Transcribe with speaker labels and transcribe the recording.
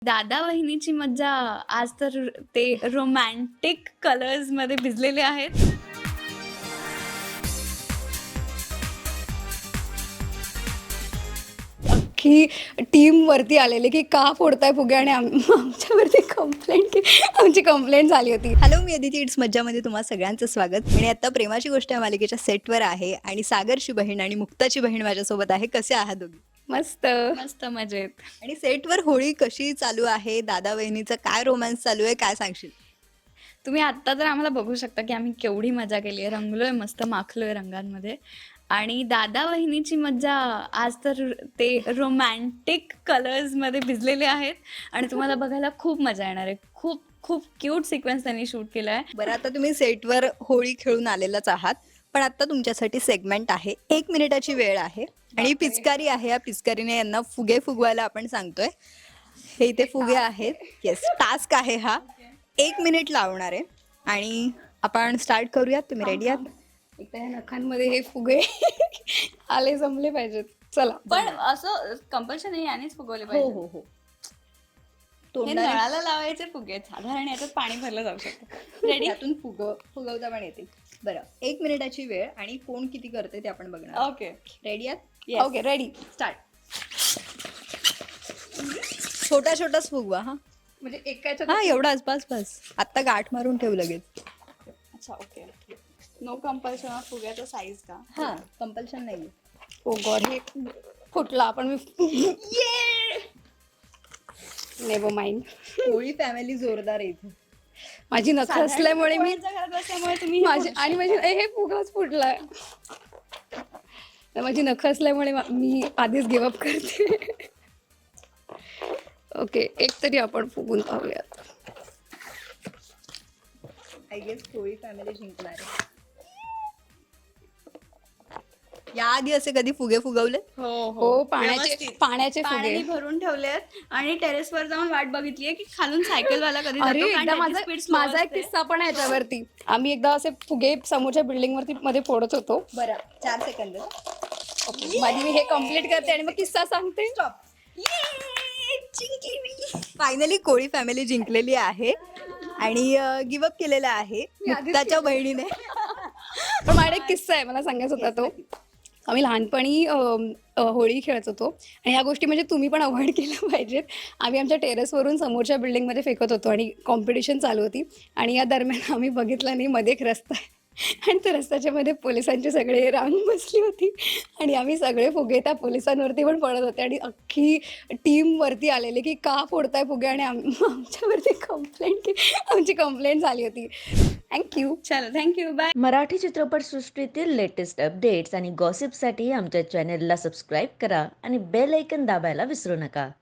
Speaker 1: दादा वहिनीची मज्जा आज तर ते रोमॅन्टिक कलर्समध्ये भिजलेले आहेत.
Speaker 2: की टीमवरती आलेले की का फोडताय फुगे आणि आमच्यावरती आमची कंप्लेंट झाली होती.
Speaker 3: हॅलो, मी अदिती. इट्स मज्जामध्ये तुम्हा सगळ्यांचं स्वागत. आणि आता प्रेमाची गोष्ट या मालिकेच्या सेटवर आहे आणि सागरची बहीण आणि मुक्ताची बहीण माझ्यासोबत आहे. कसे आहात दोघी?
Speaker 2: मस्त.
Speaker 1: मस्त मजेत.
Speaker 3: आणि सेटवर होळी कशी चालू आहे? दादा वहिनीचा काय रोमॅन्स चालू आहे? काय सांगशील?
Speaker 1: तुम्ही आत्ता तर आम्हाला बघू शकता की आम्ही केवढी मजा केली आहे. रंगलोय, मस्त माखलोय रंगांमध्ये. आणि दादा वहिनीची मज्जा आज तर ते रोमॅन्टिक कलर्समध्ये भिजलेले आहेत आणि तुम्हाला बघायला खूप मजा येणार आहे. खूप खूप क्यूट सिक्वेन्स त्यांनी शूट केला आहे.
Speaker 3: बरं, आता तुम्ही सेटवर होळी खेळून आलेलाच आहात, पण आता तुमच्यासाठी सेगमेंट आहे. 1 मिनिटाची वेळ आहे आणि पिचकारी आहे. या पिचकारीने यांना फुगे फुगवायला आपण सांगतोय. हे इथे फुगे आहेत. येस, टास्क आहे हा. 1 मिनिट लावणार आहे आणि आपण स्टार्ट करूयात. तुम्ही रेडी आहात?
Speaker 2: एकदा या नखांमध्ये हे फुगे आले जमले पाहिजेत. चला.
Speaker 1: पण असं कंपल्शन नाही, यानेच फुगवले
Speaker 3: हो
Speaker 1: पाहिजे.
Speaker 3: हो हो.
Speaker 1: हे
Speaker 3: तोंडाने
Speaker 1: नळाला लावायचे फुगे आहेत. साधारण याच्यात पाणी भरलं जाऊ शकतं. रेडी?
Speaker 3: त्यातून फुगवता पण येते. बरं, 1 मिनिटाची वेळ आणि कोण किती करते ते आपण बघणार.
Speaker 1: ओके.
Speaker 3: रेडी आहात?
Speaker 1: Yes.
Speaker 2: Okay, ready.
Speaker 3: स्टार्ट. छोटा छोटाच फुगवा. हा
Speaker 2: म्हणजे एकाच्या
Speaker 3: हा, एवढाच. बस बस. आत्ता गाठ मारून ठेव लगेच.
Speaker 1: अच्छा, ओके. नो कंपल्शन फुग्याचा साईज का?
Speaker 3: हा, कंपल्शन नाही.
Speaker 2: ओ गॉड, हे फुटला पण मी नेव्हर माइंड.
Speaker 3: होळी फॅमिली जोरदार आहे इथे.
Speaker 2: माझी नख असल्यामुळे मी
Speaker 1: घरात असल्यामुळे तुम्ही हे
Speaker 2: माझी आणि माझी हे फुगाच फुटलाय. माझी नख असल्यामुळे मी आधीच गिवअप करते. ओके, एक तरी आपण फुगून पाहूयात.
Speaker 3: आय गेस होळी फॅमिली जिंकणार आहे. याआधी असे कधी फुगे फुगवले?
Speaker 2: हो, पाण्याचे फुगे.
Speaker 1: पाण्याने भरून ठेवलेत आणि टेरेसवर जाऊन वाट बघितलीये की खालून सायकलवाला कधी
Speaker 2: अरे,
Speaker 1: जातो, कारण
Speaker 2: एकदा
Speaker 1: त्याची speed slow
Speaker 2: माझा एक
Speaker 1: असते.
Speaker 2: किस्सा पण आहे याच्यावरती. आम्ही एकदा असे फुगे समोरच्या बिल्डिंग वरती मध्ये फोडत होतो.
Speaker 3: बरं, 4 सेकंद.
Speaker 2: माझी मी हे कम्प्लीट करते आणि मग किस्सा सांगते.
Speaker 3: फायनली कोळी फॅमिली जिंकलेली आहे आणि गिवअप केलेला आहे मुक्ताच्या बहिणीने.
Speaker 2: पण माझ्या एक किस्सा आहे, मला सांगायचा होता तो. आम्ही लहानपणी होळी खेळत होतो आणि ह्या गोष्टी म्हणजे तुम्ही पण अवॉइड केल्या पाहिजेत. आम्ही आमच्या टेरेसवरून समोरच्या बिल्डिंगमध्ये फेकत होतो आणि कॉम्पिटिशन चालू होती आणि या दरम्यान आम्ही बघितलं नाही मध्ये एक रस्ता आहे आणि त्या रस्त्याच्या मध्ये पोलिसांची सगळे रांग बसली होती आणि आम्ही सगळे फुगे त्या पोलिसांवरती पण पडत होते आणि अख्खी टीमवरती आलेले की का फोडताय फुगे आणि आमच्यावरती आमची कंप्लेंट झाली होती. थँक्यू.
Speaker 1: चलो, थँक्यू, बाय.
Speaker 4: मराठी चित्रपटसृष्टीतील लेटेस्ट अपडेट्स आणि गॉसिपसाठी आमच्या चॅनेलला सबस्क्राईब करा आणि बेल ऐकन दाबायला विसरू नका.